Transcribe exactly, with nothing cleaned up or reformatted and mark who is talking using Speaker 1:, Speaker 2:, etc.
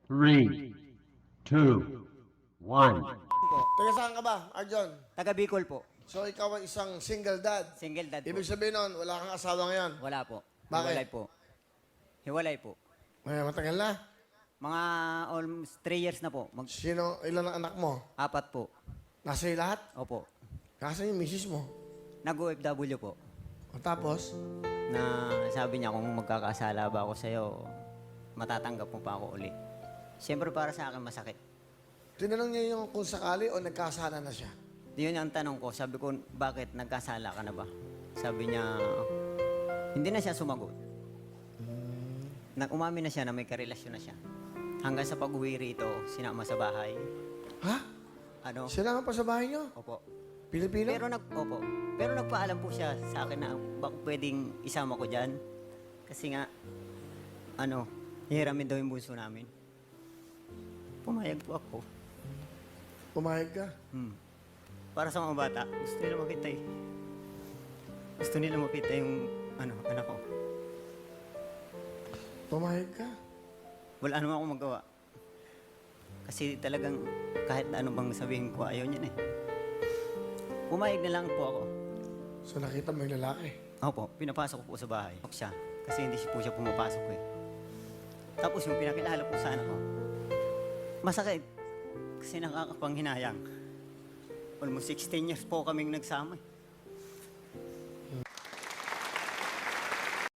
Speaker 1: three, two, one.
Speaker 2: po.
Speaker 3: Taga saan ka ba, Arjon?
Speaker 2: Taga Bicol po.
Speaker 3: So ikaw ay isang single dad.
Speaker 2: Single dad po.
Speaker 3: Ibig sabihin nun, wala kang asawa ngayon.
Speaker 2: Wala po.
Speaker 3: Bakit?
Speaker 2: Hiwalay po. Hiwalay po.
Speaker 3: May matagal na.
Speaker 2: Mga almost three years na po. Mag
Speaker 3: Sino, ilan ang anak mo?
Speaker 2: apat po.
Speaker 3: Nasa iyo lahat?
Speaker 2: Opo.
Speaker 3: Kasi yung misis mo.
Speaker 2: Nag-O F W po.
Speaker 3: O tapos,
Speaker 2: Na sabi niya kung magkakasala ba ako sa'yo, matatanggap mo pa ako uli. Siyempre para sa akin masakit.
Speaker 3: tinanong niya yung kung sakali o nagkasana na siya.
Speaker 2: Yun ang tanong ko. Sabi ko, bakit nagkasala ka na ba? Sabi niya, hindi na siya sumagot. Nag umamin na siya na may karelasyon na siya. Hanggang sa pag-uwi rito, sinama sa bahay.
Speaker 3: Ha?
Speaker 2: Ano?
Speaker 3: Sila nga pa sa bahay niyo?
Speaker 2: Opo.
Speaker 3: Pilipino?
Speaker 2: Pero nag opo. Pero nagpaalam po siya sa akin na baka pwedeng isama ko diyan. Kasi nga ano, hihiramin daw yung bunso namin. Pumayag po ako.
Speaker 3: Pumayag ka?
Speaker 2: Hmm. Para sa mga bata, gusto nila makita eh. Gusto nila makita yung ano, anak ko.
Speaker 3: Pumayag ka?
Speaker 2: Wala naman akong magawa. Kasi talagang kahit na ano bang sabihin ko, ayaw niya na eh. Pumayag na lang po ako.
Speaker 3: So nakita mo yung lalaki?
Speaker 2: Opo, pinapasok ko po sa bahay. Ako siya. Kasi hindi siya po siya pumapasok eh. Tapos yung pinakilala po sa anak ko, masakit. Kasi nakakapanghinayang. Almost sixteen years po kaming nagsama eh.